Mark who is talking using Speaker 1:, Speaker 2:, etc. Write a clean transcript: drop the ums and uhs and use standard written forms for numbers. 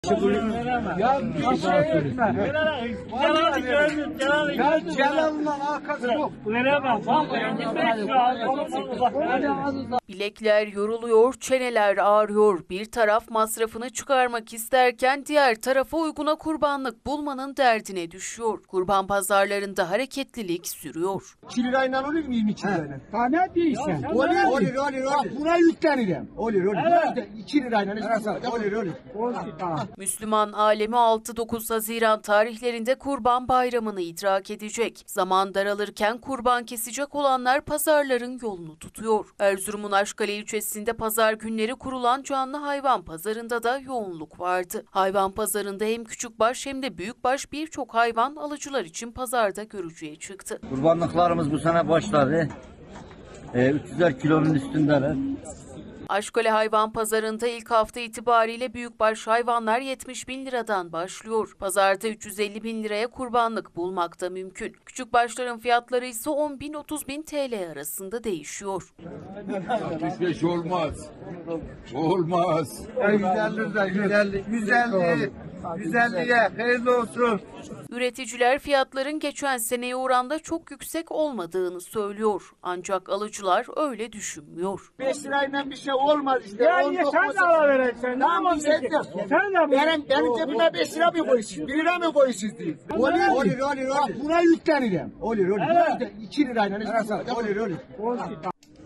Speaker 1: Ya bir şey etme. Ya Celal'la alakası yok.
Speaker 2: Bilekler yoruluyor, çeneler ağrıyor. Bir taraf masrafını çıkarmak isterken diğer tarafa uyguna kurbanlık bulmanın derdine düşüyor. Kurban pazarlarında hareketlilik sürüyor.
Speaker 1: 2 lirayla olur mu 22 lirayla?
Speaker 3: Tane değilsen.
Speaker 1: Olur. Bak buna yüklenirim. Olur. 2 lirayla olur.
Speaker 2: Müslüman alemi 6-9 Haziran tarihlerinde Kurban Bayramı'nı idrak edecek. Zaman daralırken kurban kesecek olanlar pazarların yolunu tutuyor. Erzurum'un Aşkale ilçesinde pazar günleri kurulan canlı hayvan pazarında da yoğunluk vardı. Hayvan pazarında hem küçükbaş hem de büyükbaş birçok hayvan alıcılar için pazarda görücüye çıktı.
Speaker 4: Kurbanlıklarımız bu sene başladı. 300'er kilonun üstündeler.
Speaker 2: Aşkale hayvan pazarında ilk hafta itibariyle büyükbaş hayvanlar 70.000 liradan başlıyor. Pazarda 350.000 liraya kurbanlık bulmak da mümkün. Küçükbaşların fiyatları ise 10.000-30.000 TL arasında değişiyor.
Speaker 5: 65 olmaz. Olmaz.
Speaker 1: 150'ye hayırlı olsun.
Speaker 2: Üreticiler fiyatların geçen seneye oranla çok yüksek olmadığını söylüyor. Ancak alıcılar öyle düşünmüyor.
Speaker 1: 5 lirayla bir şey olmaz işte.
Speaker 3: Yani sen de alavereceksin.
Speaker 1: Tamam sen de.
Speaker 3: Sen de
Speaker 1: Benim cebime 5 lira mı koyuyorsun? 1 lira mı koyuyorsunuz diye. Olur. Bak buna yüklenirim. Olur. 2 lirayla olur.